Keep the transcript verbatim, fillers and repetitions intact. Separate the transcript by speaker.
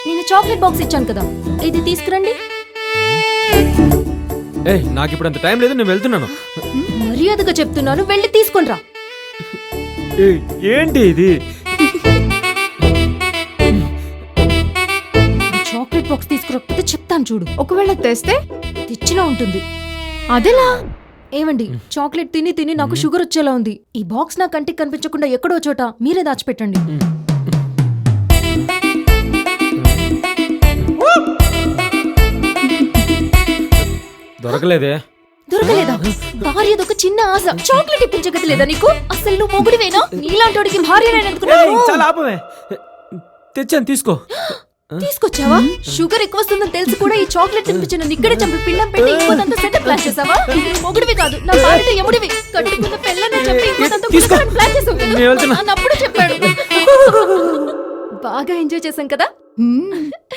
Speaker 1: నేను chocolate box ఇచ్చాను కదా, ఇది తీసుకురండి.
Speaker 2: ఏ నాకు ఇప్పుడు అంత టైం లేదు, నేను వెళ్తున్నాను.
Speaker 1: మర్యాదగా చెప్తున్నాను, వెళ్ళి తీసుకొని రా.
Speaker 2: ఏయ్, ఏంటి ఇది?
Speaker 1: చాక్లెట్ బాక్స్ తీసుకురాకపోతే చెప్తాను చూడు.
Speaker 3: ఒకవేళ తెస్తే
Speaker 1: తెచ్చినా ఉంటుంది.
Speaker 3: అదెలా?
Speaker 1: ఏమండి, చాక్లెట్ తిని తిని నాకు షుగర్ వచ్చేలా ఉంది. ఈ బాక్స్ నా కంటికి కనిపించకుండా ఎక్కడో చోట మీరే దాచిపెట్టండి.
Speaker 2: దొరకలేదే.
Speaker 1: దొరకలేదా? భార్యదొక చిన్న ఆశ, చాక్లెట్ ఇప్పించగలేదా నీకు? అసలు నువ్వు మొగుడివేనా? నీలాంటోడికి భార్య
Speaker 2: ఏయ్, చాలా ఆపమే. తెచ్చాను, తీసుకో.
Speaker 1: తీసుకొచ్చావా? షుగర్ ఎక్కువ వస్తుందని తెలిసి కూడా ఈ చాక్లెట్ తినిపించిన నిక్కడే చంపి పిండం పెట్టి ఇంకోదంతా సెటప్ ప్లాన్ చేసావా? నువ్వు మొగుడివి కాదు, నా భార్య ఎముడివి. కట్టుకున్న పిల్లని చెప్పి ఇంకోదంతా గుసగుసని ప్లాన్ చేసావు కదా?
Speaker 2: నేను వెళ్తున్నా.
Speaker 1: అన్నప్పుడు చెప్పాడు. బాగా ఎంజాయ్ చేశాం కదా.